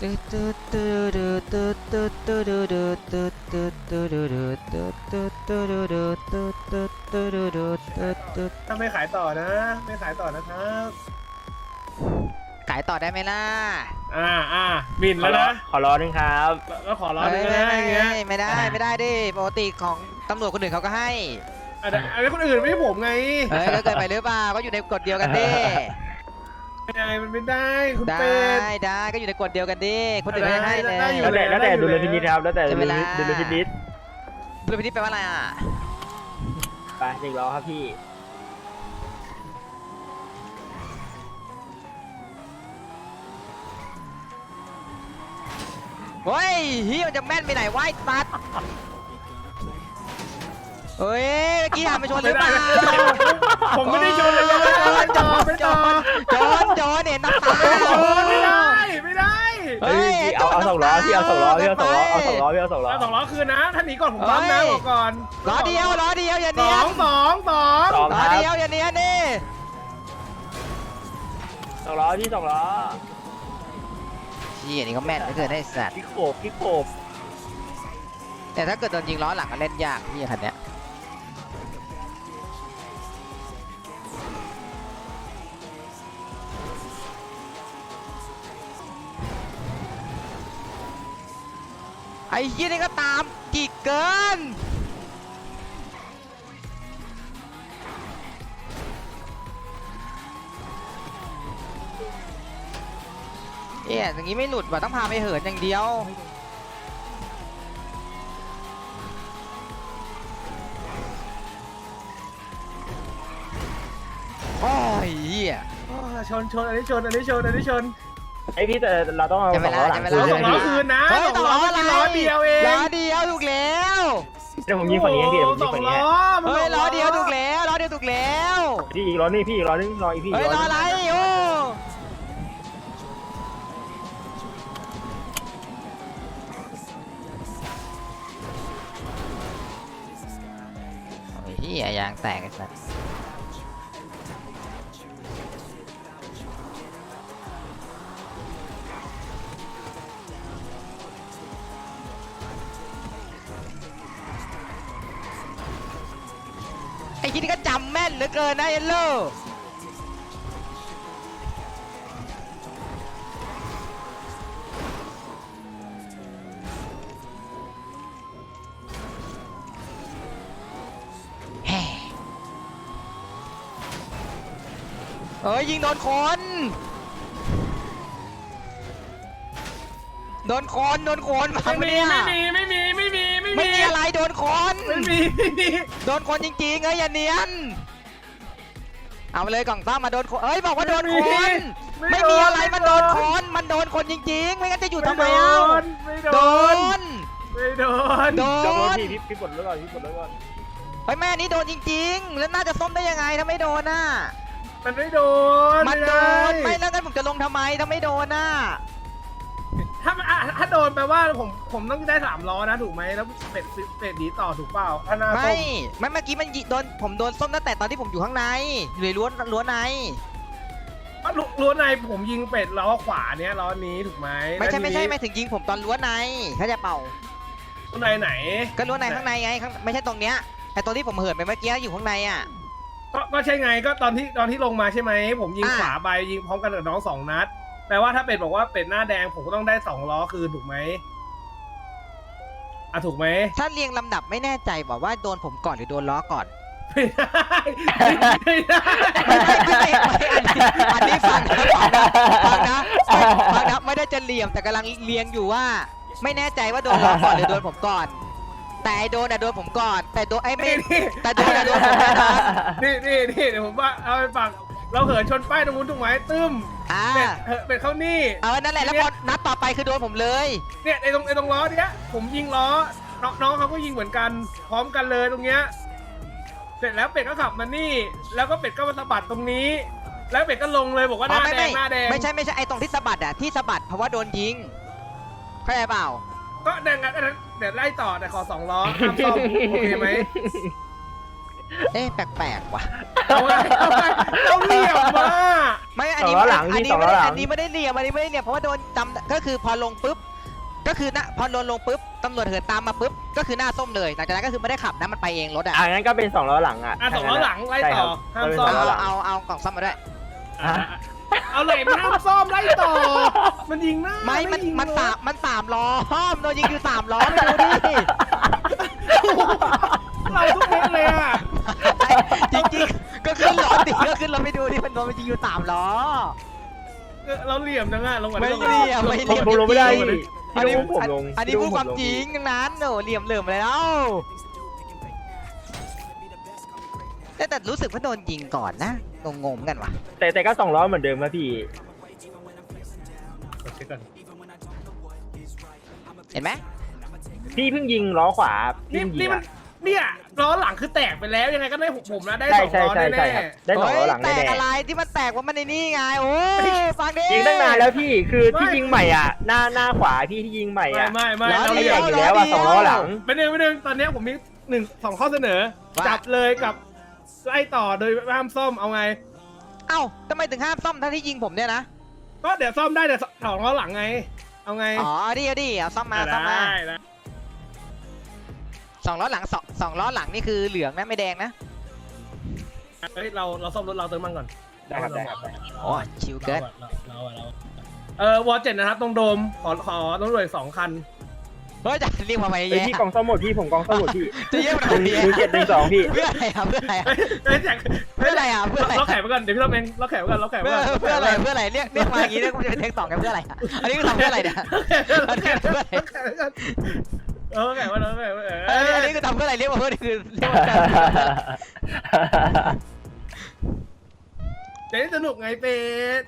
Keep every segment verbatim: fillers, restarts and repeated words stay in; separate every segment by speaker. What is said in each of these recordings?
Speaker 1: ถ้าไม่ขายต่อนะไม่ขายต่อนะครับ
Speaker 2: ขายต่อได้ไหมล่ะ
Speaker 1: อ่าอ่าบินแล้วนะ
Speaker 3: ขอร้อนึงครับ
Speaker 1: แล้วขอร้อนึงนะอย่างเงี้ย
Speaker 2: ไม่ได้ไม่ได้ดิปกติของตำรวจคนอื่นเขาก็ให้
Speaker 1: อันนี้คนอื่นไม่ใช่ผมไง
Speaker 2: เฮ้ยแล้วเกินไปหรือเปล่าก็อยู่ในกฎเดียวกันดิ
Speaker 1: ไม่ได้มันไม่ได้คุณ
Speaker 2: เป็
Speaker 1: ด
Speaker 2: ได้ก็อยู่ในกฎเดียวกันดิคนอื่นไม่ให้เลย
Speaker 3: แล้วแต่แล้วแต่ดูเลยพินิจครับแล้วแต่ดูเลยดูเลยพินิจ
Speaker 2: ดูเลยพินิจแปลว่าอะไรอ่ะ
Speaker 3: ไปหนึ่งล้อครับพี่
Speaker 2: เฮ้ยเฮียมันจะแม่นไปไหนวะไอ้ตัดเฮ้ยเมื่อกี้หันไปชนหรือเปล่า
Speaker 1: ผมไม่ได้ชนเลยจอนจอนจอน
Speaker 2: จอนจอนเห็นน้ำตา
Speaker 1: ไม่ได้ไม่ได้
Speaker 3: เฮ้ยเอาเอาสองล้อพี่เอาสองล้อพี่เอาสองล้อเอาสองล้อพี่เอาสองล้อ
Speaker 1: เอาสองล้อคืนนะท่านหนีก่อนผมบัมนะบอกก่อน
Speaker 2: ล้อเดียวล้อเดียวอย่าเนียน
Speaker 1: สองสองสอง
Speaker 2: ล้อเดียวอย่าเนียนนี่
Speaker 3: สองล้อพี่สองล้อ
Speaker 2: พี่อันนี้ก็แม่นไม่เกินได้สัตว์
Speaker 3: พี่โขบพี่โขบ
Speaker 2: แต่ถ้าเกิดโดนยิงล้อหลังก็เล่นยากพี่คันเนี้ยไอ้ยี่นี่ก็ตามกี่เกินเอ๊ะอย่างนี้ไม่หลุดว่ะต้องพาไปเหินอย่างเดียวโอ้ยเหี้ย
Speaker 1: ชนชนอันนี้ชนอันนี้ชนอันนี้ชน
Speaker 3: ไอพี่แต่เราต้องเอาสองล้อหลังคืน
Speaker 1: สองล้อคืนนะสองล้อล้อเดียวเอง
Speaker 2: ล้อเดียวถูกแล้ว
Speaker 3: เดี๋ยวผมยิงฝั่งนี้พี่เดี๋ยวผมยิงฝั่งนี้
Speaker 2: เฮ้ยล้อเดียวถูกแล้วล้อเดียวถูกแล้ว
Speaker 3: พี่อีกล้อนี่พี่อีกล้อนึงรออีกพี่
Speaker 2: เฮ้ยล้ออะไรโอ้ยเหี้ยยางแตกไอ้สัสไอ้ที่นี่ก็จำแม่นเหลือเกินนะเอลโล่เฮ้ยยิงโดนคนโดนคนโดนคนมา
Speaker 1: ไม่มีไม่มีไม่มีไม่มี
Speaker 2: ไม่มีอะไรโดนคน
Speaker 1: ไม่มีไม่มี
Speaker 2: โดนคนจริงๆเอ้ยอย่าเนียนเอาไปเลยกล่องซ่อมมาโดนคนเอ้ยบอกว่าโดนคนไม่มีอะไรมันโดนคนมันโดนคนจริงๆไม่งั้นจะอยู่ทำไมเอ้าโดน
Speaker 1: ไม่โดน
Speaker 2: โดน
Speaker 3: พี่พี่ปลดแล้วก่อนพี่ปลดแล้วก่อน
Speaker 2: เฮ้ยแม่นี้โดนจริงๆแล้วน่าจะส้มได้ยังไงถ้าไม่โดนน่ะ
Speaker 1: มันไม่โดน
Speaker 2: มันโดนไม่แล้วงั้นผมจะลงทำไมถ้าไม่โดนน่ะ
Speaker 1: ถ้าถ้าโดนแปลว่าผมผมต้องได้สามล้อนะถูกไหมแล้วเป็ดเป็ดดีต่อถูกเปล่าถ้าหน้า
Speaker 2: ไม่ไม่เมื่อกี้มันโดนผมโดนส้มตั้งแต่ตอนที่ผมอยู่ข้างในอยู่ในล้วนล้วนใน
Speaker 1: ล้วนในผมยิงเป็ดล้อขวาเนี้ยล้อนี้ถูกไหม
Speaker 2: ไม่ใช่ไม่ใช่ไม่ถึงยิงผมตอนล้วนในเขาจะเป่า
Speaker 1: ล้วนในไหน
Speaker 2: ก็ล้วนในข้างในไงไม่ใช่ตรงเนี้ยแต่ตอนที่ผมเหินไปเมื่อกี้อยู่ข้างในอ่ะ
Speaker 1: ก็ก็ใช่ไงก็ตอนที่ตอนที่ลงมาใช่ไหมผมยิงขวาไปยิงพร้อมกันกับน้องสองนัดแปลว่าถ้าเป็ดบอกว่าเป็ดหน้าแดงผมก็ต้องได้สองล้อคืนถูกไหมอ่ะถูกไหม
Speaker 2: ถ้าเรียงลำดับไม่แน่ใจบอกว่าโดนผมก่อนหรือโดนล้อก่อน
Speaker 1: ไม่ได้ไม่ได้
Speaker 2: ไม่ไม่ไม่อันนี้ฟังนะฟังนะฟังนะฟังนะไม่ได้จะเหลี่ยมแต่กำลังเรียงอยู่ว่าไม่แน่ใจว่าโดนล้อก่อนหรือโดนผมก่อนแต่โดนอะโดนผมก่อนแต่โดนไอ้ไม่แต่โดนอะโดนผมก่อน
Speaker 1: นี่นี่นี่เดี๋ยวผมว่าเอาไปฟังเราเหินชนป้ายตรงนู้นถูกไหมตึ้มเป็ดเป็ดเข้านี่
Speaker 2: เออนั่นแหละแล้วพอนัดต่อไปคือโดนผมเลย
Speaker 1: เนี่ยไอ้ตรงไอ้ตรงล้อเนี้ยผมยิงล้อน้องเขาก็ยิงเหมือนกันพร้อมกันเลยตรงเนี้ยเสร็จแล้วเป็ดก็ขับมานี่แล้วก็เป็ดก็มาสะบัดตรงนี้แล้วเป็ดก็ลงเลยบอกว่าหน้าแดงหน้าแดง
Speaker 2: ไม่ใช่ไม่ใช่ไอ้ตรงที่สะบัดอะที่สะบัดเพราะว่าโดนยิงเข้าใจเปล่า
Speaker 1: ก็แดงงั้นเดี๋ยวไล่ต่อแต่ขอสองล้อทำซ่อมโอเคไหม
Speaker 2: เอ๊ะแปลกๆว่ะ
Speaker 1: เอาไงเอาไงเราเหลี่ยมมา
Speaker 2: ไม่อันนี้
Speaker 3: สองล้อหลัง
Speaker 2: อัน
Speaker 3: พี่
Speaker 2: นี้
Speaker 3: สอง
Speaker 2: ไม่
Speaker 3: ล้อ
Speaker 2: ได้
Speaker 3: หลัง
Speaker 2: อันนี้ไม่ได้เหลี่ยมอันนี้ไม่ได้เหลี่ยมเพราะว่าโดนจำก็คือพอลงปุ๊บก็คือนะพอโดนลงปุ๊บตำรวจเหินตามมาปุ๊บก็คือหน้าส้มเลยหลังจากนั้นก็คือไม่ได้ขับนะมันไปเองรถอ่ะ
Speaker 3: อ่างั้นก็เป็นสองล้อหลังอ่ะ
Speaker 1: อ่ะสองล้อหลังไล่ต่อห้าม
Speaker 3: ใช่
Speaker 1: ซ่อ
Speaker 3: ค
Speaker 1: ม
Speaker 3: รับ
Speaker 2: เอาเอาเอากล่องซ่อมมาด้วย
Speaker 1: อ่ะเอาเลยมันห้ามซ่อมไล่ต่อ มันยิงหน้า
Speaker 2: ไม่มัน
Speaker 1: ยิง
Speaker 2: มัน
Speaker 1: รถ
Speaker 2: สามมันสามล้อโดนยิงอยู่สามล้อไปดูดิ
Speaker 1: เราทุกเม็ดเลยอ่ะ
Speaker 2: จริงๆก็ขึ้นรถดิก็ขึ้นรถไปดูดิมันโดนมันยิงอยู่สามล้อ
Speaker 1: เออเราเหลี่ยมจังอ่ะลงมา
Speaker 2: ไม่
Speaker 1: ลงา
Speaker 2: เหลี่ยมไม่เหลี่ยม
Speaker 3: ผมลงไม่ได้พี่
Speaker 2: อันนี้
Speaker 3: พี่ผมลง
Speaker 2: อันนี้พูดความจริงทั้งนั้นโอ้เหลี่ยมเหลื่อมเลยแล้วแต่แต่รู้สึกว่าโดนยิงก่อนนะงงๆกันว่ะ
Speaker 3: แต่แต่ก็สองล้อเหมือนเดิมนะพี่
Speaker 2: เห็นไหม
Speaker 3: พี่เพิ่งยิงล้อขวาพี่
Speaker 1: นี่
Speaker 3: เพิ่งยิ
Speaker 1: นี่
Speaker 3: ง
Speaker 1: มัน
Speaker 3: อะ
Speaker 1: เนี่ยล้อหลังคือแตกไปแล้วยังไงก็ได้หกผมนะได้
Speaker 3: ใช่
Speaker 1: สอง
Speaker 3: ใช่
Speaker 1: ล้อ
Speaker 3: ใช่
Speaker 1: แน่
Speaker 3: ใช่ครับได้สองล้อหลัง
Speaker 2: แต
Speaker 3: แน่
Speaker 2: กอะไรที่มันแตกว่ามันในนี่ไงโอ้ยฟังดิ
Speaker 3: ๆยิงตั้งนานแล้วพี่คือที่ยิงใหม่อ่ะหน้าหน้าขวาพี่ที่ยิงใหม่
Speaker 1: ไม่
Speaker 3: อ่ะ
Speaker 1: ไม่ไม่
Speaker 2: ล้อ
Speaker 1: เรา
Speaker 3: ไม่
Speaker 1: เห
Speaker 3: แต
Speaker 1: ลี่ย
Speaker 3: ก
Speaker 1: ม
Speaker 3: อยู่แล้วอ่ะสองล้อหลัง
Speaker 1: ไม่หนึ่งไม่หนึ่งตอนเนี้ยผมมีหนึ่งสองข้อเสนอ
Speaker 2: ว่า
Speaker 1: จับเลยกับไล่ต่อโดยห้ามซ่อมเอาไง
Speaker 2: เอ้าทำไมถึงห้ามซ่อมถ้าที่ยิงผมเนี่ยนะ
Speaker 1: ก็เดี๋ยวซ่อมได้แต่สองล้อหลังไง เอาไง
Speaker 2: อ๋อดิเอาดิเอาซ่อมมาซ่อมมา
Speaker 1: ได้ได้
Speaker 2: สองล้อหลังสองสองล้อหลังนี่คือเหลืองนะไม่แดงนะ
Speaker 1: เฮ้ยเราเราซ่อมรถเราเติมมันก่อน
Speaker 3: ได้ครับได้ครับได้
Speaker 2: โอ้ชิวเกิน
Speaker 1: เราเราเราเออวอเจ็ดนะครับตรงโดมขอขอต้องรวยสองคัน
Speaker 2: เฮ้ยจะเรียกมาไหม
Speaker 3: เฮ้ย
Speaker 2: แย่
Speaker 3: พี่กองซ่อมหมดพี่ผมกองซ่อมหมดพี่
Speaker 2: จะเรียกมา
Speaker 3: หนึ่ง
Speaker 2: ไหม
Speaker 3: หนึ่งเจ็ดหนึ่งสองพี่
Speaker 2: เพื่ออะไรอ่ะเพื่ออะไรอ่ะ
Speaker 1: เฮ้ยแจก
Speaker 2: เพื่ออะไรอ่ะเพื่ออะไร
Speaker 1: เราแข่ไปก่อนเดี๋ยวพี่เราเองเราแข่ไปก่อนเราแข่ไป
Speaker 2: เพื่อ
Speaker 1: ก่อน
Speaker 2: เพื่ออะไรเพื่ออะไรเรียกเรียกมาอย่างนี้เรียกมันจะเป็นเทคสองกันเพื่ออะไรอ่ะอันนี้คือทำเพื่ออะไรเนี่ย
Speaker 1: เราแข่เพื่อนเออแข่ว่าเราแข่ว่าเอ
Speaker 2: อันนี้อัน
Speaker 1: อ
Speaker 2: นี้คือทำเพื่ออะไรเรียกมาเพื่อคือเรียกมาเพื่อ
Speaker 1: เดี๋ยวสนุกไงเป็ด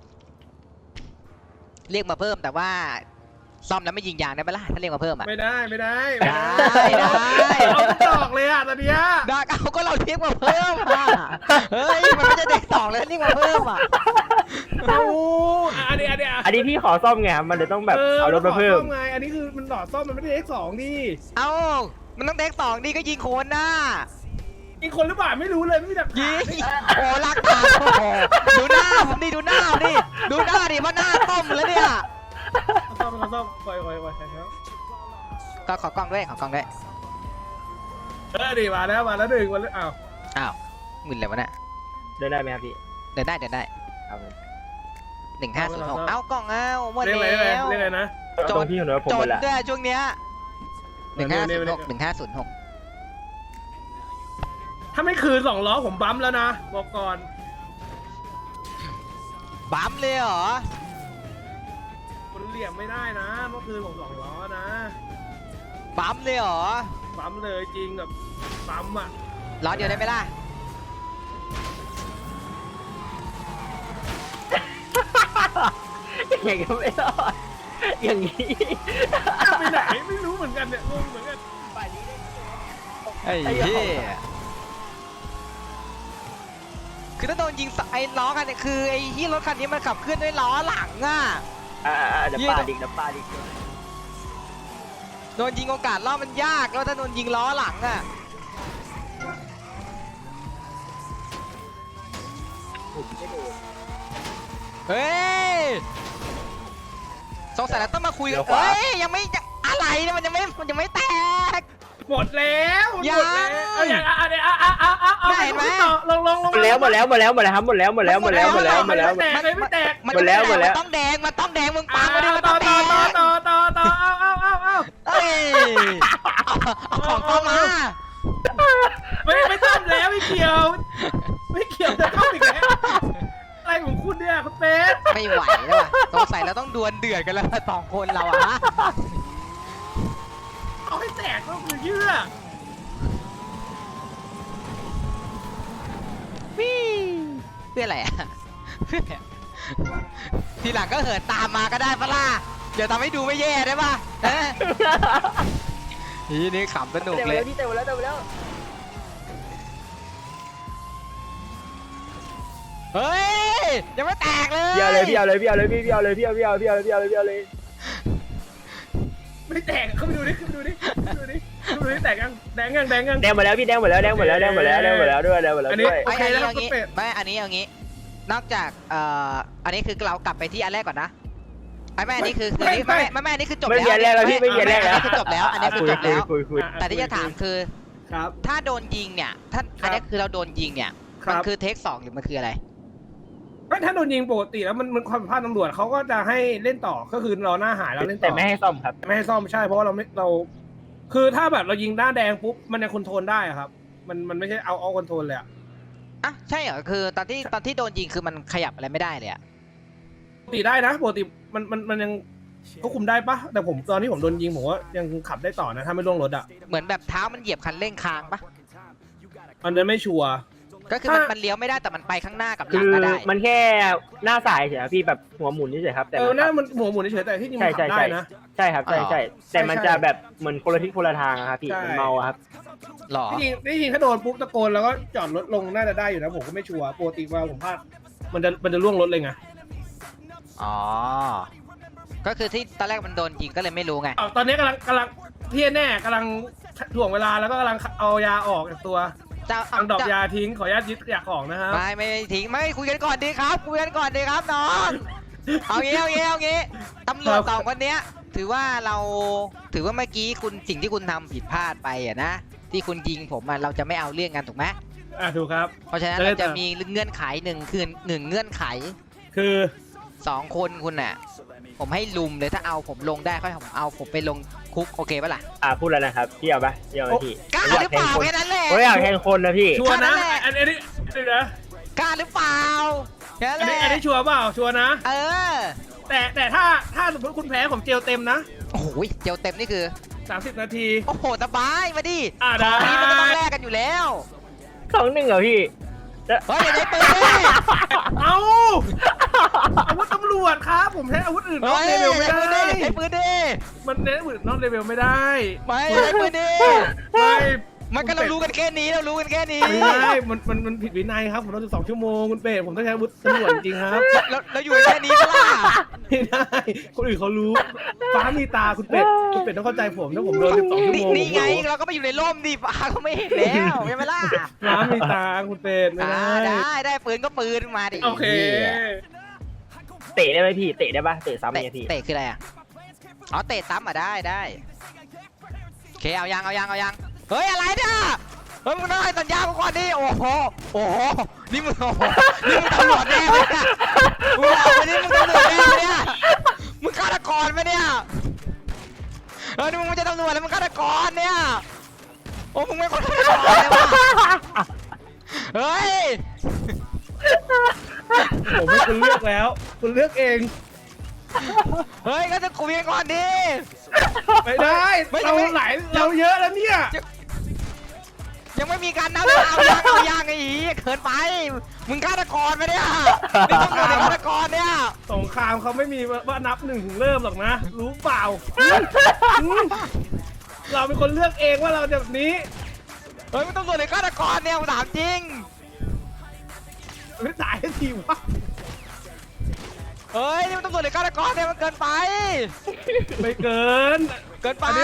Speaker 2: เรียกมาเพิ่มแต่ว่าซ่อมแล้วไม่ยิงยางได้ไหมล่ะถ้าเรียกมาเพิ่มอ่ะ
Speaker 1: ไม่ได้ไม่ได้
Speaker 2: ได้ได้
Speaker 1: เอาทุกดอกเลยอ่ะตอนเนี้ย
Speaker 2: ดากเอาก็เราเรียกมาเพิ่มอ่ะเฮ้ยมันไม่ใช่เด็กสองแล้วเรียกมาเพิ่มอ่ะ
Speaker 1: เอาอันนี้อันนี้
Speaker 3: อันนี้พี่ขอซ่อมไงครับมันเลยต้องแบบเอารถมาเพิ่ม
Speaker 1: ไงอันนี้คือมันหลอดซ่อมมันไม่ได้เอ็กสองดิ
Speaker 2: เอ้ามันต้องเด็กสองดีก็ยิงโคนหน้า
Speaker 1: อีกคนหรือเปล่าไม่รู้เลยไม่มีแบบ
Speaker 2: ยิงโอ้รักตาโอ้โหดูหน้าผมดิดูหน้าผมดิดูหน้าดิว่าหน้าต้มแล้วเนี่ย
Speaker 1: ซ่อมซ่อมคอยคอยคอยครับ
Speaker 2: ก็ขอกล้องด้วยขอกล้องด้วย
Speaker 1: เออดีมาแล้วมาแล้วหนึ่งวันแล้วอ้าว
Speaker 2: อ้าวหมื่นเลยวะเนี่ย
Speaker 3: เดินได้ไหมครับพี่
Speaker 2: เดินได้เดินได้
Speaker 3: ครับ
Speaker 2: หนึ่งห้าศูนย์หกเอ้ากล้องเอ้าหมด
Speaker 1: เรียก
Speaker 2: แล้
Speaker 1: อะไรเรียก
Speaker 2: ว
Speaker 1: อะไรเรียกอะไรนะ
Speaker 3: ตรงพี่คนเดียวผม
Speaker 2: จ
Speaker 3: หม
Speaker 2: น
Speaker 3: ดละ
Speaker 2: ด้วยช่วงเนี้ยหนึ่งห้า
Speaker 1: เร็
Speaker 2: ศู
Speaker 1: วน
Speaker 2: ย์
Speaker 1: ๆ
Speaker 2: หกหนึ่งห้าศูนย์หก
Speaker 1: ถ้าไม่คืนสองล้อผมบั๊มแล้วนะบอกก่อน
Speaker 2: บั๊มเลยเหรอ
Speaker 1: คุณเหลี่ยมไม่ได้นะเมื่อคืนผมสองล้อนะ
Speaker 2: บั๊มเลยเหรอ
Speaker 1: บั๊มเลยจริงแบบบั๊มอ่ะ
Speaker 2: ล้อเดียวได้ไหมล่ะ
Speaker 3: อย่างนี้ก็ไม่รอดอย่างนี้
Speaker 1: ไปไหนไม่รู้เหมือนกันเนี่ยงงเหมือนกัน
Speaker 2: ไอ้เหี้ยคือถ้าโดนยิงสไอ้ล้อกันเนี่ยคือไอ้ที่รถคันนี้มันขับเคลื่อนด้วยล้อหลังอ่ะ
Speaker 3: อ่าเดี๋ยวปาดิกเดี๋ยวปาดิก
Speaker 2: โดนยิงโอกาสรอบมันยากแล้วถ้าโดนยิงล้อหลังอ่ะเฮ้ยสงสัยเราต้องมาคุยกันเฮ้ยยังไม่อะไรเนี่ยมันยังไม่มันยังไม่แตก
Speaker 1: หมดแล้วหมด
Speaker 2: ยัง
Speaker 1: แล้วเอาอย่างอ่ะเดี๋ยวอ่ะอ่ะอ่ะอ่ะ
Speaker 2: ไม่เห็นไหม
Speaker 1: ต่อลงลงลง
Speaker 3: หมดแล้วหมดแล้วหมดแล้วหมดแล้วครับหมดแล้วหมดแล้วหมดแล้วหมดแล้วหมดแล้ว
Speaker 1: ไม่แตกเลยไม่แตก
Speaker 2: มัน
Speaker 3: หมดแล้วหมดแล้ว
Speaker 2: นต้องแดงมันต้องแดงมึงปั
Speaker 1: อ่ะ
Speaker 2: งมาดิมัน
Speaker 1: ต่
Speaker 2: ต้
Speaker 1: อ
Speaker 2: องแด
Speaker 1: ต่อง ต่อต่อต่อต่อเอาเอาเอาเอา
Speaker 2: เอ้ยเอาของเข้ามา
Speaker 1: ไม่ไม่ต้มแล้วไม่เกี่ยว ไม่เกี่ยวจะต้มอีกแล้วอะไรของคุณเนี่ยคุณเป็ด
Speaker 2: ไม่ไหวแล้วว่ะสงสัยเราต้องดวลเดือดกันแล้วสองคนเราอะฮะ
Speaker 1: เอาให้แตกก็คือเยื่อ
Speaker 2: วี่เพื่ออะไรอะเพื่อทีหลังก็เหินตามมาก็ได้ปะล่ะเดี๋ยวทำให้ดูไม่แย่ได้ปะเอ๊ะนี่นี่ขำสนุกเลย
Speaker 3: พี่เต็มแล้วเต็มแล้ว
Speaker 2: เฮ้ยยังไม่แตกเลย
Speaker 3: พี่เอาเลยพี่เอาเลยพี่เอาเลยพี่พี่เอาเลยพี่เอาพี่เอาพี่เอาพี่เอาพี่เอาเลย
Speaker 1: ไม่แตกเข้าไปดูดิเข้าไปดูดิเข้าไปดูดิดูนี่แดงยังแดงยังแดงยัง
Speaker 3: แดงหมดแล้วพี่แดงหมดแล้วแดงหมดแล้วแดงหมดแล้วแดงหมดแล้วด้วยแดงหมดแล้ว
Speaker 1: อันนี้
Speaker 3: ด้วย
Speaker 1: โอเค
Speaker 2: ไม่
Speaker 1: แล้ว
Speaker 2: อันนี้
Speaker 1: ครับ
Speaker 2: เอางี้
Speaker 1: คุณเป็ด
Speaker 2: ไม่อันนี้เอางี้ นอกจากเอ่ออันนี้คือเรากลับไปที่อันแรกก่อนนะไอ้แม่อันนี้คือคือไม่ไม่ไม่อันนี้คือจบ
Speaker 3: ไม่
Speaker 2: แล้ว
Speaker 3: เขียนแรกแล้วพี่ไม่เขียนแรก
Speaker 2: อัน
Speaker 3: แล้ว
Speaker 2: นี้คือจบแล้วอันนี้คือจบแล้ว
Speaker 3: คุยคุย
Speaker 2: แต่ที่จะถามคือ
Speaker 1: ครับ
Speaker 2: ถ้าโดนยิงเนี่ยถ้า
Speaker 1: ครับ
Speaker 2: อันนี้คือเราโดนยิงเนี่ย
Speaker 1: ครั
Speaker 2: มัน
Speaker 1: บ
Speaker 2: คือเทคสองหรือมันคืออะไร
Speaker 1: ไม่ถ้าโดนยิงปกติแล้วมันมันความผิดพลาดตำรวจเขาก็จะให้เล่นต่อก็คือรอหน้าหายแล้วเล่นต่อ
Speaker 3: แต่ไม่ให้ซ่อมครับ
Speaker 1: ไม่ให้ซ่อมใช่เพราะว่าเราไม่เรา คือถ้าแบบเรายิงหน้าแดงปุ๊บมันยังคอนโทรลได้อะครับ มันมันไม่ใช่เอาเอาคอนโทรลเลยอะ
Speaker 2: อ่ะใช่เหรอคือตอนที่ตอนที่โดนยิงคือมันขยับอะไรไม่ได้เลยอะ
Speaker 1: ปกติได้นะปกติมันมันมันยังควบคุมได้ปะแต่ผมตอนที่ผมโดนยิงผมว่ายังขับได้ต่อนะถ้าไม่ล่วงรถอะ
Speaker 2: เหมือนแบบเท้ามันเหยียบคันเร่งค้างปะ
Speaker 1: อันนั้นไม่ชัวร์
Speaker 2: ก็คือมัน
Speaker 1: ถ้ามั
Speaker 2: มันเลี้ยวไม่ได้แต่มันไปข้างหน้ากับห
Speaker 3: คื
Speaker 2: ลัง
Speaker 3: อ
Speaker 2: ก็ได้
Speaker 3: มันแค่หน้าสายเฉยครับพี่แบบหัวหมุนเฉยครับแต่
Speaker 1: เออ
Speaker 3: มัน
Speaker 1: หน้ามันหัวหมุนเฉยๆแต่ที่จริง
Speaker 3: ใช่
Speaker 1: มันขั
Speaker 3: ใช่
Speaker 1: บได้
Speaker 3: ใช่
Speaker 1: นะ
Speaker 3: ใช่ครับใช่ใช่แต่มันจะแบบเหมือนคนละทิศคนละทางอะครับพี่
Speaker 1: ใช่
Speaker 3: มันเมาอะครับ
Speaker 2: หรอ
Speaker 1: ที่จริงที่จริงถ้าโดนปุ๊บตะโกนแล้วก็จอดรถลงน่าจะได้อยู่นะผมก็ไม่ชัวร์ปกติเวลาผมพลาดมันจะมันจะล่วงรถเลยไง
Speaker 2: อ๋อ ก็คือที่ตอนแรกมันโดนยิงก็เลยไม่รู้ไง
Speaker 1: อ้าวตอนนี้กำลังกำลังที่แน่กำลังถ่วงเวลาแล้วก็กำลังเอายาออกจากตัว
Speaker 2: จะ
Speaker 1: ทางดอกยาทิ้งขออนุญาตยึดยาของนะครับ
Speaker 2: ไม่ไม่ทิ้งไม่คุยกันก่อนดีครับคุยกันก่อนดีครับน้องเอางี้เอางี้เอางี้ตำรวจสองคนเนี้ย ถือว่าเราถือว่าเมื่อกี้คุณสิ่งที่คุณทำผิดพลาดไปอะนะที่คุณยิงผมอะเราจะไม่เอาเรื่องกันถูกไหม
Speaker 1: อ่ะถูกครับ
Speaker 2: เพราะฉะนั้น
Speaker 1: จะได้
Speaker 2: เราจะ
Speaker 1: ตาม
Speaker 2: มีเงื่อนไขหนึ่งคือหนึ่งเงื่อนไข
Speaker 1: คือ
Speaker 2: สองคนคุณน่ะ ผมให้ลุมเลยถ้าเอาผมลงได้ค่อยผมเอาผมไปลงคุกโอเคปะล่ะ
Speaker 3: อ่าพูดแล้วนะครับพี่เอาปะพี่เอาไหมพี่
Speaker 2: กล้าหรือเปล่าแค่นั้นแหละ
Speaker 3: ผมอยากแทงคนนะพี่
Speaker 1: ชัวร์นะ
Speaker 2: แค่นั้นแหละ
Speaker 1: อันอันนี้เดี๋ยวนะ
Speaker 2: กล้าหรือเปล่าแค่
Speaker 1: อั
Speaker 2: นั้น นแห
Speaker 1: นี้
Speaker 2: ละ
Speaker 1: อันนี้ชัวร์เปล่าชัวร์นะ
Speaker 2: เออ
Speaker 1: แต่แต่ถ้าถ้าสมมติคุณแพ้ผมเจลเต็มนะ
Speaker 2: โอ้โหเจลเต็มนี่คือ
Speaker 1: สามสิบนาที
Speaker 2: โอ้โหสบายมาดิ
Speaker 1: อ่าได้
Speaker 2: อันนี้มันก็ต้องแลกกันอยู่แล้ว
Speaker 3: สองหนึ่งเหรอพี่
Speaker 2: เฮ้ยอย่าใช้ปืนดิ
Speaker 1: เอาอาวุธตำรวจครับผมใช้อาวุธอื่นนอก
Speaker 2: เฮ้ย
Speaker 1: เลเวลไม่
Speaker 2: ใช้ปืนดิ
Speaker 1: ได้
Speaker 2: ใช้ปืนดิ
Speaker 1: มันเน้นอาวุธนอกเลเวลไม่ได้
Speaker 2: ไม่ใช้ปืนดิ
Speaker 1: ไม่
Speaker 2: มันก็เรารู้กันแค่นี้เรารู้กันแค่นี้
Speaker 1: ไม่ได้มันมันมันผิดวินัยครับผมต้องสิบสองชั่วโมงคุณเป็ดผมต้องใช้อาวุธตำรวจจริงครับ
Speaker 2: เราเราอยู่กันแค่นี้ก็ล่ะ
Speaker 1: ไม่ได้คนอื่นเขารู้ฟ้ามีตาคุณเป็ดคุณเป็ดต้องเข้าใจผมถ้าผมโดนสิบสองชั่ว
Speaker 2: นี่
Speaker 1: โมง
Speaker 2: นี่ไงเราก็ไปอยู่ในร่มดิฟ้าก็ไม่เห็นแล้วใช่ไหมล่ะ
Speaker 1: ฟ้ามีตาคุณเป็ดไม่
Speaker 2: อ่า
Speaker 1: ได้
Speaker 2: ได้ได้ปืนก็ปืนมาดิ
Speaker 1: โอเค
Speaker 3: เตะได้ไหมพี่เตะได้ปะเตะซ้ำ
Speaker 2: เตะ
Speaker 3: ไงพี่
Speaker 2: เตะคืออะไรอ่ะอ๋อเตะซ้ำอ่ะได้ได้โอเคเอายังเอายังเอายังเฮ้ยอะไรเนี่ยเฮ้ยมึงต้องให้สัญญากูก่อนดิโอ้โหโอ้โหนี่มึงโอ้โหนี่มึงตำรวจแน่ไหมเนี่ยมึงบอกไปนี่มึงตำรวจแน่ไหมเนี่ยมึงฆาตกรไหมเนี่ยเออนี่มึงไม่ใช่ตำรวจแล้วมึงฆาตกรเนี่ยโอ้มึงไม่คนฆาตกรเลยวะเฮ้ย
Speaker 1: ผมให้คุณเลือกแล้ว คุณเลือกเอง
Speaker 2: เฮ้ยก็จะคุยกันก่อนดิ
Speaker 1: ไม่ได้
Speaker 2: ไม่
Speaker 1: เรา
Speaker 2: ไม่
Speaker 1: หลายเราเยอะแล้วเนี่ย
Speaker 2: ยังไม่มีการนับเลยเอายังเอายังไอ้อีเขินไป มึงฆาตกรไหมเนี่ยนี่ตำรวจเป็นฆาตกรเนี่ย
Speaker 1: สงครามเขาไม่มีว่านับหนึ่งถึงเริ่มหรอกนะ รู้เปล่าอืมเราเป็นคนเลือกเองว่าเราจะแบบนี้
Speaker 2: เฮ้ยมึงตำรวจเป็นฆาตกรเนี่ยกูถามจริง
Speaker 1: ไม่ตายทันทีวะ
Speaker 2: เฮ้ยนี่มึงตำรวจเป็นฆาตกรเนี่ยมันเกินไป
Speaker 1: ไม่เกิน
Speaker 2: เกินไป
Speaker 1: อันนี้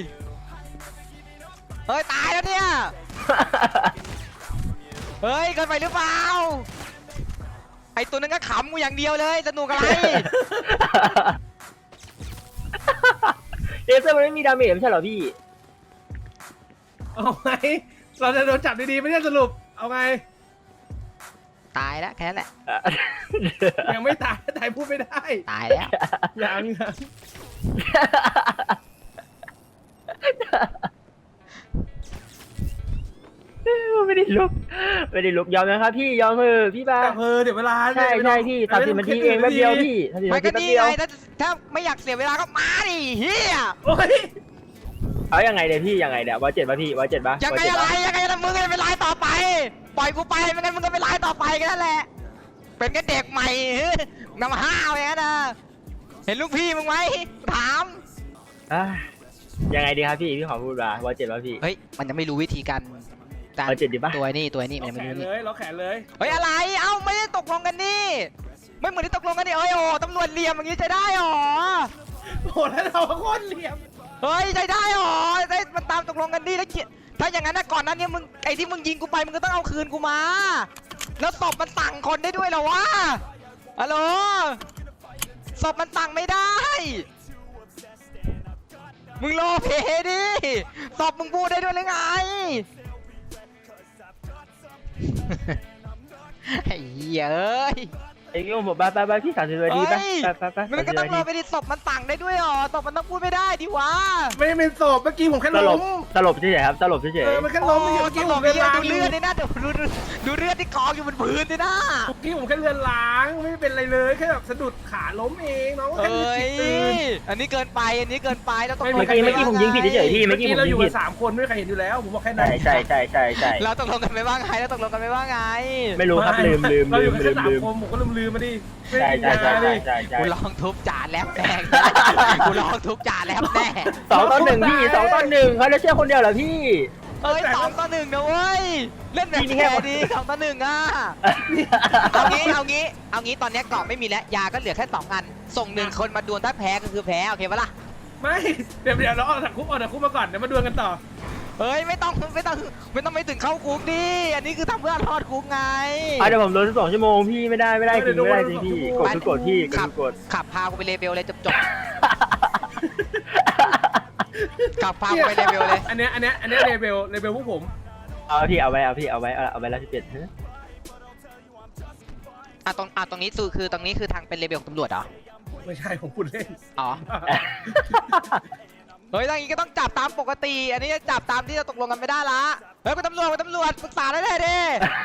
Speaker 2: เฮ้ยตายแล้วเนี่ย เฮ้ยเกินไปหรือเปล่า ไอตัวนั้นก็ขำกูอย่างเดียวเลยสนุกอะไร
Speaker 3: เลเซอร์มันไม่มีดาเมจไม่ใช่เหรอพี่
Speaker 1: เอาไงเราจะโดนจับดีๆไม่ใช่สรุป เอาไง
Speaker 2: ตายแล้วแค่นั้นแหละ
Speaker 1: ยังไม่ตายตายพูดไม่ได้
Speaker 2: ตายแล้ว
Speaker 1: ยังยัง
Speaker 3: ไม่ได้ลุกไม่ได้ลุกยอมนะครับพี่ยอมเถอะพี่บ้า
Speaker 1: แต่เพอเดี๋ยวเวลา
Speaker 3: ใช่ใช่พี่สามสิบนาทีเองแป๊บเดียวพี่สามสิบ
Speaker 2: ไม่
Speaker 3: นาที
Speaker 2: ก็
Speaker 3: แป๊บ
Speaker 2: นี่
Speaker 3: เดียว
Speaker 2: ไงถ้าถ้าไม่อยากเสียเวลาก็มาดิเฮีย
Speaker 1: โอ้ย
Speaker 3: เอายังไงเดี๋ยวพี่ยังไงเดี๋ยววอเจ็ดป่ะพี่วอเจ็ดป่ะ
Speaker 2: ยังไงอะไรยังไงนะมึงก็เป็นไลน์ต่อไป ปล่อยกูไปไม่งั้นมึงก็เป็นไลน์ต่อไปกันนั่นแหละ เป็นแค่เด็กใหม่นำห้าวอย่างนั้นนะเห็นลูกพี่มึงไหมถาม
Speaker 3: อ่ะยังไงดีครับพี่พี่ขอพูดมาวอเจ็ดป่ะพี่
Speaker 2: เฮ้ยมันยังไม่รู้วิธีการการ
Speaker 3: เอาเจ็ดดีปะ
Speaker 2: ตัวนี่ตัวนี่มันยัง
Speaker 1: แข
Speaker 2: ไม่
Speaker 1: น
Speaker 2: รู้
Speaker 1: เล
Speaker 2: นี่
Speaker 1: ยล็อกแขนเลย
Speaker 2: เฮ้ยอะไรเอ้าไม่ได้ตกลงกันนี่ไม่เหมือนที่ตกลงกันนี่เอ้ยโอ้ตำรวจเหลี่ยมอย่างนี้จะได้หรอ
Speaker 1: โอ้แล้วเราโคตรเหลี่ยม
Speaker 2: เฮ้ยใช้ได้หรอได้มันตามตกลงกันดีแล้วเกียถ้าอย่างนั้นนะก่อนนั้นเนี่ยมึงไอ้ที่มึงยิงกูไปมึงก็ต้องเอาคืนกูมาแล้วศพมันสั่งคนได้ด้วยเหรอวะฮัลโหลศพมันสั่งไม่ได้มึงโลเพดิศพมึงพูดได้ด้วยหรือไงไอ้เหี้ยเอ้ย
Speaker 3: ไอ้เงี้ยผมไปไปไปพี่สามสิบนาทีไปไปไปไป
Speaker 2: มันก็ต้องรอไปดิศพมันสั่งได้ด้วยหรอศพมันต้องพูดไม่ได้ดิวะ
Speaker 1: ไม่เป็นศพเมื่อกี้ผมแค่
Speaker 3: สล
Speaker 1: ล้
Speaker 3: บ
Speaker 1: ม
Speaker 3: สลบเฉยๆครับสลบเฉย
Speaker 1: เออมันแค่ล้มเมื่อกี้ผม
Speaker 2: เลื
Speaker 1: เลือนล้าง
Speaker 2: ดูเลือดนี่นะเดี๋ยวดูดูดูเลือดที่กองอยู่บนพื้นนี่นะ
Speaker 1: เมื่อกี้ผมแค่เลือนล้างไม่เป็นไรเลยแค่แบบสะดุดขาล้มเองน้องก็
Speaker 2: เอ
Speaker 1: แค่
Speaker 2: ้
Speaker 1: จิ
Speaker 2: ย
Speaker 1: ตตื่น
Speaker 2: อันนี้เกินไปอันนี้เกินไปแล้วต้อง
Speaker 3: ๆเมื่อกี้เมื่อกี้ผมยิงผิดเฉยๆพี่
Speaker 1: เมื่
Speaker 3: เมื่
Speaker 1: อ
Speaker 3: อกี้
Speaker 1: กี้
Speaker 3: ผม
Speaker 1: เราอ
Speaker 3: ยิ
Speaker 1: ยู่
Speaker 3: งผิ
Speaker 1: กั
Speaker 3: ด
Speaker 1: นสามคนไม่มีใครเห็นอยู่แล้วผมบอกแค่นั้
Speaker 3: ใช่
Speaker 1: น
Speaker 3: ใช่ใช่ใช่ใช่
Speaker 2: เราตกลงกันไม่ว่าไงเราตกลงกันไม่ว่าไง
Speaker 3: ไม่รู้ครับลืมลืม
Speaker 1: เราอ
Speaker 3: ลื
Speaker 1: ยู่
Speaker 3: ม
Speaker 1: กัน
Speaker 3: ลื
Speaker 1: แค่
Speaker 3: ม
Speaker 1: สาม
Speaker 3: ลืม
Speaker 1: คนผมก็ลืมลืมมาดิ
Speaker 3: ใช่ใช่ใช่ใช่ใช่ใช่
Speaker 2: กูลองทุบจ่าแลบแน่กูลองทุบจ่าแลบแน่
Speaker 3: สองต่อหนึ่งพี่สองต่อหนึ่งเขาจะเชื่อคนเดียวเหรอพี่
Speaker 2: เอ้ยสองต่อหนึ่งนะเว้ยเล่นแบบ
Speaker 3: นี่แค่
Speaker 2: แค่ดีสองต่อหนึ่งอ่ะเอางี้เอางี้เอางี้ตอนนี้เกาะไม่มีแล้วยาก็เหลือแค่สองอันส่งหนึ่งคนมาดวลถ้าแพ้ก็คือแพ้โอเคปะล่ะ
Speaker 1: ไม่เดี๋ยวเดี๋ยวเราออกจากคุกออกจากคุกมาก่อนเดี๋ยวมาดวลกันต่อ
Speaker 2: เฮ้ยไม่ต้องไม่ต้องไม่ต้องไปถึงเข้าคุกดิอันนี้คือทำเพื่อรอดคุกไง
Speaker 3: อ่ะเดี๋ยวผมโดนสองชั่วโมงพี่ไม่ได้ไม่ได้จริงไม่ได้จริงพี่กดทุกกดพี่กด
Speaker 2: ขับ
Speaker 3: ทุกกด
Speaker 2: ขับพากูไปเลเวลเลยจบจบขับพากูไปเลเวลเลย
Speaker 1: อันเนี้ยอันเนี้ยอันเนี้ยเลเวลเลเวลพวกผม
Speaker 3: เอาพี่เอาไว้เอาพี่เอาไว้เอาไว้แล้วสิบเจ็ด
Speaker 2: อ่ะตรงอ่ะตรงนี้คือคือตรงนี้คือทางเป็นเลเวลของตำรวจเหรอ
Speaker 1: ไม่ใช่ผมพูดเล่น
Speaker 2: อ๋อเฮ้ยทางนี้ก็ต้องจับตามปกติ อันนี้จะจับตามที่เราตกลงกันไม่ได้ละเฮ้ยคุณตำรวจคุณตำรวจปรึกษาได้เลยดิ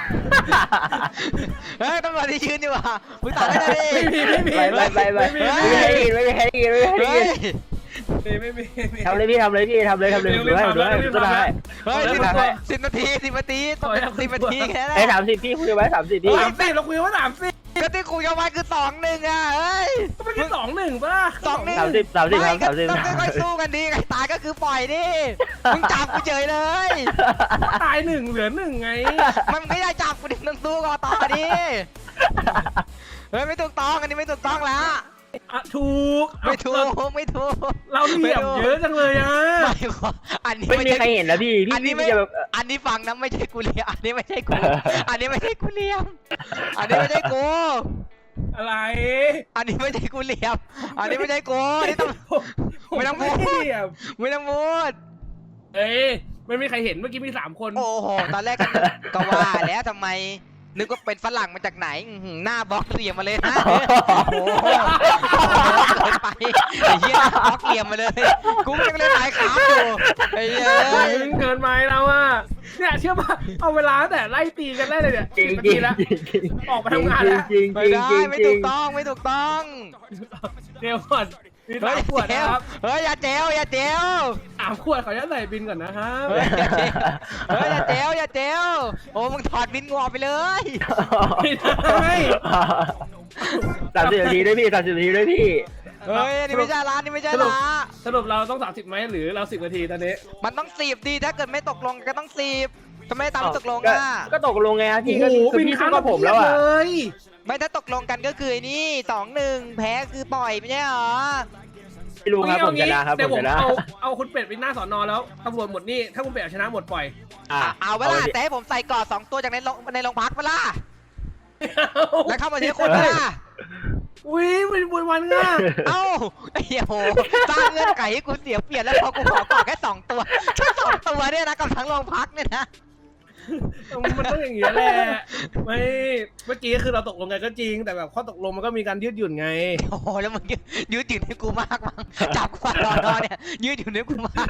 Speaker 2: เฮ้ยตำรวจที่ยืนอยู่อ่ะปรึกษาได้เลยดิ
Speaker 1: ไม่มีไม่มี
Speaker 3: ไปไปไปไปไม่มีใครได้ยินไม่มีใครได้ยินไม่มีใครได้
Speaker 2: เฮ้
Speaker 3: ยิ
Speaker 2: ย
Speaker 3: น
Speaker 1: ไม่มีไม่มี
Speaker 3: ทำเลยพี่ทำเลยพี่ทำเลยทำเลยดูให้ดูให้ดูให้
Speaker 2: เฮ้ยสิบสิบนาทีสิบนาทีต้องสิบนาทีแค่นั้น
Speaker 3: ไอ้สามสิบพี่คุยไว้สามสิบพี่
Speaker 1: สามสิบเราคุยว่าสามสิบ
Speaker 2: ก็ที่คุยกันไว้คือสองหนึ่งอ่ะเฮ้ย
Speaker 1: ก็ไม่ใช่สองหนึ่งป่ะ
Speaker 2: สองหนึ่ง
Speaker 3: สามสิบสามสิบครับสามสิบ
Speaker 2: ต้องค่อยๆสู้กันดีไงตายก็คือปล่อยดิมึงจับกูเฉยเลย
Speaker 1: ตายหนึ่งเหลือหนึ่งไง
Speaker 2: มันไม่ได้จับกูดิมึงสู้กันต่อดิเฮ้ยไม่ถูกต้องอันนี้ไม่ถูกต้องแล้ว
Speaker 1: อ่ะถูก
Speaker 2: ไม่ถูกไม่ถูก
Speaker 1: เราเหลี่ยมเยอะจังเลยอ่ะ
Speaker 2: ไม่ขออันนี้
Speaker 3: ไม่มีใคร
Speaker 2: ใช่
Speaker 3: เห็นนะพี่พี่
Speaker 2: อันนี้
Speaker 3: พี่
Speaker 2: ไม่
Speaker 3: จะแบบ
Speaker 2: อันนี้ฟังนะไม่ใช่กูเลียมอันนี้ไม่ใช่กูอันนี้ไม่ใช่กูเลียมอันนี้ไม่ใช่กู
Speaker 1: อะไร
Speaker 2: อันนี้ไม่ใช่กูเลียมอันนี้ไม่ใช่กูอันนี้ต้อง ไม่ต้องพูด
Speaker 1: เหลี่ยม
Speaker 2: ไม่ต้องพูด
Speaker 1: เอ้ยไม่มีใครเห็นเมื่อกี้มีสามคน
Speaker 2: โอ้โหตอนแรกก็ก็ว่าแล้วทำไมนึกว่าเป็นฝรั่งมาจากไหนอื้อหือหน้าบล็อกเหลี่ยมมาเลยนะโอ้โหเกินไปไอ้เหี้ยหน้าบล็อกเหลี่ยมมาเลยกูยังเล่นหลายขาอยู่ไอ้เหี้ย
Speaker 1: เฮ้ยเกินไปแล้วอ่ะเนี่ยเชื่อป่ะเอาเวลาตั้งแต่ไล่ตีกันได้เลยเนี่ย
Speaker 3: จริง
Speaker 1: สิบ
Speaker 3: จริ
Speaker 1: นาง ทีแล้ว
Speaker 3: จริง
Speaker 1: ออกไปทำงานแล้ว
Speaker 3: จริง
Speaker 2: ไม่
Speaker 3: จริง
Speaker 2: ได้
Speaker 3: จริง
Speaker 2: ไม่
Speaker 3: จริ
Speaker 2: ถู
Speaker 3: ง
Speaker 2: กต้องไม่ถูกต้อง
Speaker 1: เดี๋ยวก่อนมี
Speaker 2: เฮ้
Speaker 1: สายมขวด
Speaker 2: เจ
Speaker 1: นะ
Speaker 2: ล
Speaker 1: ครับ
Speaker 2: เฮ้ยอย่าเจลอย่าเจล
Speaker 1: สามขวดขออนุญาตใส่บินก่อนนะครับ
Speaker 2: เฮ้ยอย่าเจลเฮ้ยอย่าเจลอย่าเจลโอ้มึงถอดบินงอไปเลย
Speaker 1: ไม่ได้
Speaker 3: สามสิบนาทีด้วยพี่สามสิบนาทีด้วยพี่
Speaker 2: เฮ้ยอันนี่ไม่ใช่ร้านนี่ไม่ใช่
Speaker 1: สรุป
Speaker 2: ร้าน
Speaker 1: สรุปเราต้องสามสิบไหมหรือเราสิบนาทีตอนนี้
Speaker 2: มันต้องสีบดีถ้าเกิดไม่ตกลงก็ต้องสีบทำไมตามที่ตกลง
Speaker 3: ก็
Speaker 2: อ่ะ
Speaker 3: ก็ตกลงไงครับ
Speaker 1: โอ้
Speaker 3: พี่
Speaker 1: โห
Speaker 3: ก็คือ
Speaker 1: บิน
Speaker 3: พี่
Speaker 1: ค้า
Speaker 3: สู้
Speaker 1: ง
Speaker 3: กับผมแล้วอ่ะ
Speaker 1: เลย
Speaker 2: ไม่ถ้าตกลงกันก็คือไอ้นี่สองหนึ่งแพ้คือปล่อยไม่ใช่เหรอ
Speaker 3: ไม่รู้ครับผมชนะครับ
Speaker 1: เดี๋ยว
Speaker 3: ผ
Speaker 1: ผม ม
Speaker 3: ชนะ
Speaker 1: เอาเอาคุณเป็ดไปหน้าสอนอแล้วตำรวจหมดนี่ถ้าคุณเป็ดเอาชนะหมดปล่อย
Speaker 3: อ่ะ
Speaker 2: เอาเวลาแต่ให้ผมใส่กอดสองตัวจากในโรงในโรงพักเวลาแล้วเข้ามาทีละคนเวลา
Speaker 1: อุ้ยมันบนวันง่ะ
Speaker 2: เอ้าไอ้เหี้ยโหสร้างเงื่อนไขให้กูเสียเปรียบแล้วพอกูขอกอดแค่สองตัวแค่สองตัวเนี่ยนะกับทั้งโรงพักเนี่ยนะ
Speaker 1: มันต้องอย่างนี้แหละไม่เมื่อกี้คือเราตกลงกันก็จริง แต่แบบข้อตกลงมันก็มีการยืดหยุ่นไง
Speaker 2: โอ้โหแล้วมึงยืดยืดหยุ่นให้กูมากมั้งจับกูฟาดรอนเนี่ยยืดหยุ่นให้กูมาก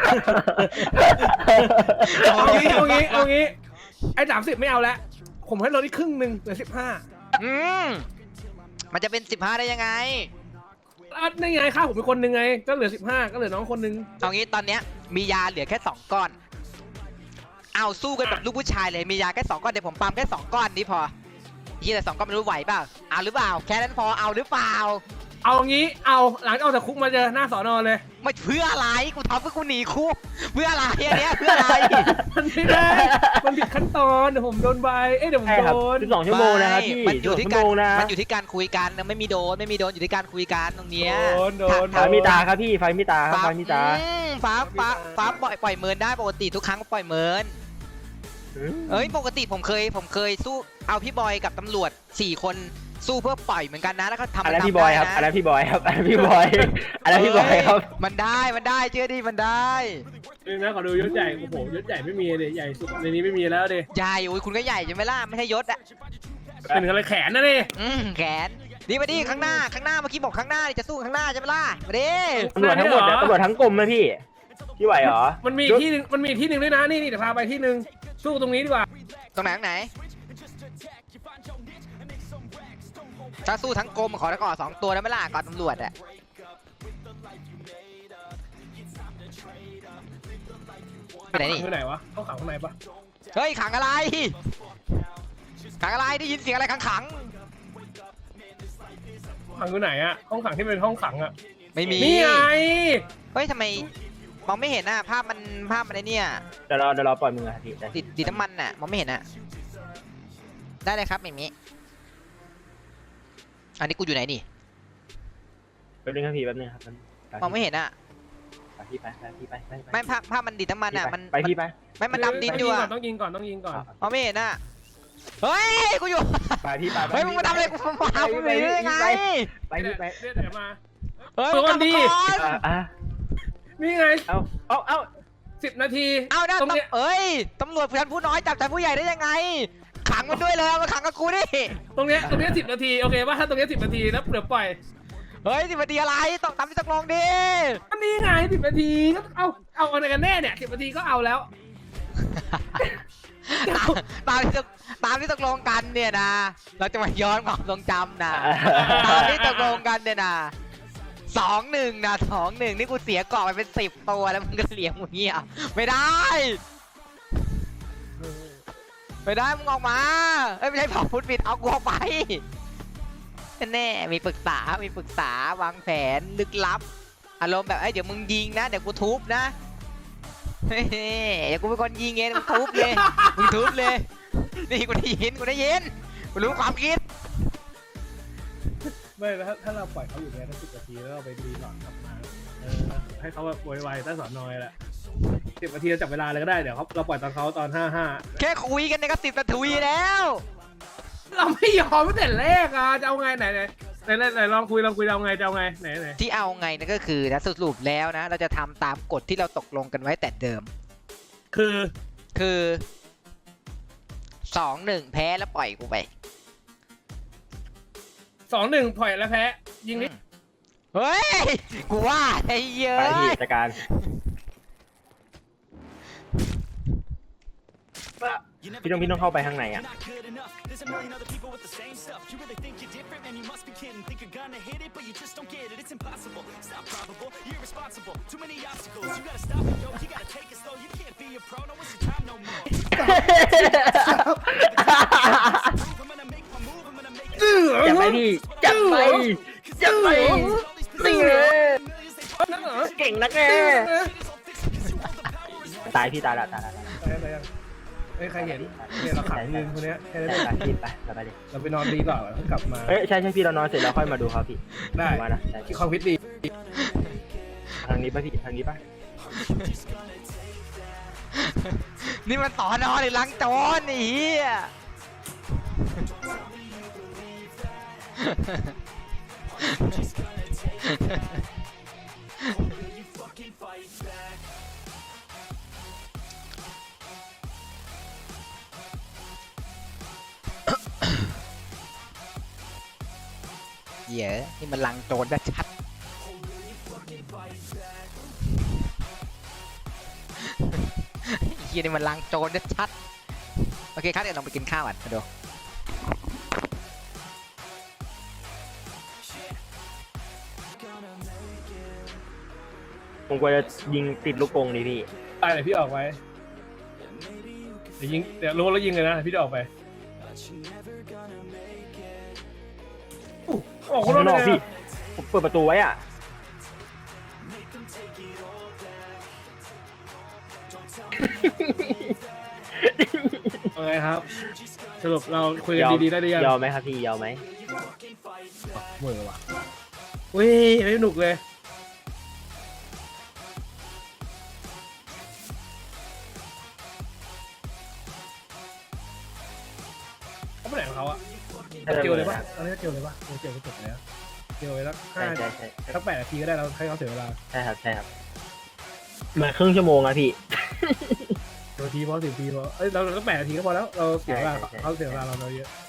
Speaker 1: เอางี้เอางี้เอางี้ไอ้สามสิบไม่เอาแล้วผมให้ลดอีกครึ่งหนึ่งเหลือสิบห้า
Speaker 2: อืมมันจะเป็นสิบห้าได้ยังไง
Speaker 1: อ่ะนี่ไงค่าผมเป็นคนหนึ่งไงก็เหลือสิบห้าก็เหลือน้องคนหนึ่ง
Speaker 2: เอางี้ตอนเนี้ยมียาเหลือแค่สองก้อนเอาสู้กันแบบลูกผู้ชายเลยมียาแค่สองก้อนเดี๋ยวผมปั๊มแค่สองก้อนนี้พอยี่แต่สองก้อนไม่รู้ไหวเปล่าเอาหรือเปล่าแค่นั้นพอเอาหรือเปล่า
Speaker 1: เอางี้เอาหลังจากออกจากคุกมาเจอหน้าสอนอเลย
Speaker 2: ไม่เพื่ออะไรกูทำเพื่อกูหนีคุกเพื่ออะไรอันเนี้ยเพื่ออะไร
Speaker 1: มันไม่ได้มันผิดขั้นตอนเดี๋ยวผมโดนใบเอ้ยเดี๋ยวผม
Speaker 3: ใช่ครับ
Speaker 1: โดน
Speaker 3: สิบสองชั่วโมงนะครับพี่
Speaker 2: มันอยู่
Speaker 3: สิ
Speaker 2: ที่
Speaker 3: บสองชั่ว
Speaker 2: การ
Speaker 3: โมงนะ
Speaker 2: มันอยู่ที่การคุยกันนะไม่มีโดนไม่มีโดนอยู่ที่การคุยกันตรงเนี้ย
Speaker 1: โดนโดน
Speaker 3: ไฟมีตาครับพี่ไฟมีตาครับ
Speaker 2: ฟ้า
Speaker 3: ไฟมีตา
Speaker 2: อืมฟ้าฟ้าฟ้าปล่อยปล่อยเมินได้ปกติทุกครั้งก็ปล่อยเมิน
Speaker 3: อืม
Speaker 2: เอ้ยปกติผมเคยผมเคยสู้เอาพี่บอยกับตำรวจสี่คนสู้เพื่อปล่อยเหมือนกันนะแล้วก็ทำ
Speaker 3: อัน
Speaker 2: มัน
Speaker 3: นั้น
Speaker 2: ทำ
Speaker 3: พี่บอย
Speaker 2: ได้
Speaker 3: ครับ
Speaker 2: นะ
Speaker 3: อันนั้นพี่บอยครับอันนั้นพี่บอยอันนั้นพี่บอยครับ
Speaker 2: มันได้มันได้เชื่อดิมันได้
Speaker 1: นี่นะขอดูยศใหญ่โอ้โหยศใหญ่ไม่มีเลยใหญ่สุดในนี้ไม่มีแล้วดิ
Speaker 2: ใหญ่โอ้ยคุณก็ใหญ่ใช่ไหมล่ะไม่ใช่ยศอะ
Speaker 1: เป็นอะไรแขนนะดิ
Speaker 2: อืมแขนดีมาดิข้างหน้าข้างหน้าเมื่อกี้บอกข้างหน้านี่จะสู้ข้างหน้าใช่ไหมล่ะมาดิ
Speaker 3: ตำรวจทั้งหมดเนี่ยตำรวจทั้งกรมนะพี่พี่ไหวเหรอ
Speaker 1: มันมีที่หนึงมันมีที่หนึ่งด้วยนะนี่นี่เดี๋ยวพาไปที่หนึ่งสู้ตรงนี้ดีกว่า
Speaker 2: ตรงไหนตรงไหนถ้าสู้ทั้งกรมขอตะกอสองตัวได้ไหมล่ะก่อนตำรวจอะไปไหนนี่
Speaker 1: ข้างไหนวะเขาขังข้างในปะ
Speaker 2: เฮ้ยขังอะไรขังอะไรได้ยินเสียงอะไรขังขัง
Speaker 1: ขังอยู่ไหนอะห้องขังที่เป็นห้องขังอะ
Speaker 2: ไม่มี
Speaker 1: นี่ไง
Speaker 2: เฮ้ยทำไมมองไม่เห็นน่ะภาพมันภาพมันไอเนี่ย
Speaker 3: เดี๋ยวรอเดี๋ยวรอปล่อยมือครับพี่ได้
Speaker 2: ติดติดน้ำมันน่ะมองไม่เห็นน่ะได้เลยครับอย่างนี้อันนี้กูอยู่ไหนนี่
Speaker 3: แป๊บนึงครับพี่แป๊บนึงครับแป๊บนึง
Speaker 2: มองไม่เห็นน่ะ
Speaker 3: ไปพี่ไปไปพี่ไปไปไป
Speaker 2: ไม่ภาพภาพมันดิดน้ำมันน่ะมัน
Speaker 3: ไปพี่ไป
Speaker 2: ไม่มันดำดินอยู่อะ
Speaker 1: ต้องยิงก่อนต้องยิงก่อน
Speaker 2: มองไม่เห็นน่ะเฮ้ยกูอยู่
Speaker 3: ไปพี่ไป
Speaker 2: เฮ้ยมึงมาทำอะไรกูมาทำกูหนีได้ไง
Speaker 3: ไปพี่ไป
Speaker 1: เรียกเดี๋ยวมา
Speaker 2: เฮ้ย
Speaker 1: ตัว
Speaker 2: มึงกลับ
Speaker 1: ดี
Speaker 2: มาก่อน
Speaker 3: อ่ะอ่ะ
Speaker 1: นี่ไง
Speaker 3: เอาเอาเอา
Speaker 1: สิบนาที
Speaker 2: เอานะ
Speaker 1: ตรงเนี้ย
Speaker 2: ตำเอ้ยตำรวจชั้นผู้น้อยจับชั้นผู้ใหญ่ได้ยังไง ขังมันด้วยเลยเอามาขังกับกูดิ
Speaker 1: ตรงเนี้ยตรงเนี้ยสิบนาทีโอเคป่ะถ้าตรงเนี้ยสิบนาทีแล้วเดี๋ยวปล่อย
Speaker 2: เฮ้ยสิบนาทีอะไรต้องทำที่ตกลงดิ
Speaker 1: อันนี้ไงสิบนาทีก็เอาเอาอะไรกันแน่เนี่ยสิบนาทีก็เอาแล้ว
Speaker 2: ตามตามที่ตกตามที่ตกลงกันเนี่ยนะ เราจะมาย้อนความทรงจำนะตามที่ตกลงกันเนี่ยนะสองหนึ่งนะสองหนึ่งนี่กูเสียเกาะไปเป็นสิบตัวแล้วมึงก็เลี้ยงมึงเงี้ยไม่ได้ ไม่ได้มึงออกมาเอ้ยไม่ใช่เผาพุทธบิดเอากูออกไปแน่มีปรึกษามีปรึกษาวางแผนลึกลับ อารมณ์แบบไอ้ยเดี๋ยวมึงยิงนะเดี๋ยวกูทุบนะเฮ้ยเดี๋ยวกูเป็นคนยิงเองมึงทุบเลยมึงทุบเลยนี่กูได้ยินกูได้ยินกูรู้ความคิด
Speaker 1: ไม่แล้วถ้าถ้าเราปล่อยเขาอยู่เนี่ยได้สิบนาทีแล้วเราไปรีหลอดกลับมาเออให้เขาแบบไวๆใต้สอนนอยแหละสิบนาทีเราจับเวลาเลยก็ได้เดี๋ยวเขาเราปล่อยตอนเขาตอนห้าห้า
Speaker 2: แค่คุยกันเนี่ยก็สิบนาทีแล้ว
Speaker 1: เราไม่ยอมตั้งแต่แรกอ่ะจะเอาไงไหนไหนไหนไหนไหนลองคุยลองคุยเอาไงจะเอาไงไหนไหน
Speaker 2: ที่เอาไงนะก็คือนะสรุปแล้วนะ เราจะทำตามกฎที่เราตกลงกันไว้แต่เดิม
Speaker 1: คือ
Speaker 2: คือสองหนึ่งแพ้แล้วปล่อยกูไป
Speaker 1: สองหนึ่งปล่อยแล้วแพ้ยิงนิด
Speaker 2: เฮ้ย กูว่าไอ้เหี้ย
Speaker 3: ไปพี่
Speaker 2: อะ
Speaker 3: จัดการพี่ต้องพี่ต้องเข้าไปข้างในอ่ะ จับไปพี่จับไปจับไปนี่เลย
Speaker 1: นั่นเหรอ
Speaker 3: เก่งนักแน่ตายพี่ตายละตายละ
Speaker 1: ไปไปยังเอ้ยใครเห็นเนี่ยเราขังยืนคนเนี้ยแค่นั้นเอง
Speaker 3: ตายพี่ไปเราไปดิ
Speaker 1: เราไปนอนดีกว่าแล้วกลับมา
Speaker 3: เอ้ยใช่ใช่พี่เรานอนเสร็จแล้วค่อยมาดูเขาพี่
Speaker 1: ได้
Speaker 3: มานะใช่
Speaker 1: ที่ความคิดดี
Speaker 3: ทางนี้ป่ะพี่ทางนี้ป่ะ
Speaker 2: นี่มันต่อนอหรือลังโจรไอ้เหี้ย เหี้ยนี่มันลังโจรชัดเหี้ยนี่มันลังโจรชัดโอเคครับเดี๋ยวลองไปกินข้าวก่อนมาดู
Speaker 3: ผมกลัวจะยิงติดลูกกรงดิพี่
Speaker 1: ตายเลยพี่ออกไว้เดี๋ยวยิงเดี๋ยวรู้แล้วยิงเลยนะพี่จะออกไปออก
Speaker 3: ข้างนอกพี่ผมเปิดประตูไว้อ่ะ
Speaker 1: เอาไงครับ สรุปเราคุยกันดีๆได้หรือยัง
Speaker 3: ยอมไหมครับพี่ยอมไหม
Speaker 1: เมื่อวะเว้ยไม่สนุกเลยเขาไปไหนของเขาอะเจียวเลยปะเอาเรียกเจียวเลยปะเจียวก็จบแล้วเจียวไว้แล้ว
Speaker 3: ใช่
Speaker 1: ห้า
Speaker 3: ใช่ใช่
Speaker 1: สักแปดนาทีก็ได้เราให้เขาเสียเวลา
Speaker 3: ใช่ครับใช่ครับมาครึ่งชั่วโมงอะพี่
Speaker 1: นาทีพอสิบนาทีพอเอ้ยเราเราก็แปดนาทีก็พอแล้วเราเสียเวลา
Speaker 3: ใช่ใช่ใช่
Speaker 1: เขาเสียเวลาเราเราเยอะ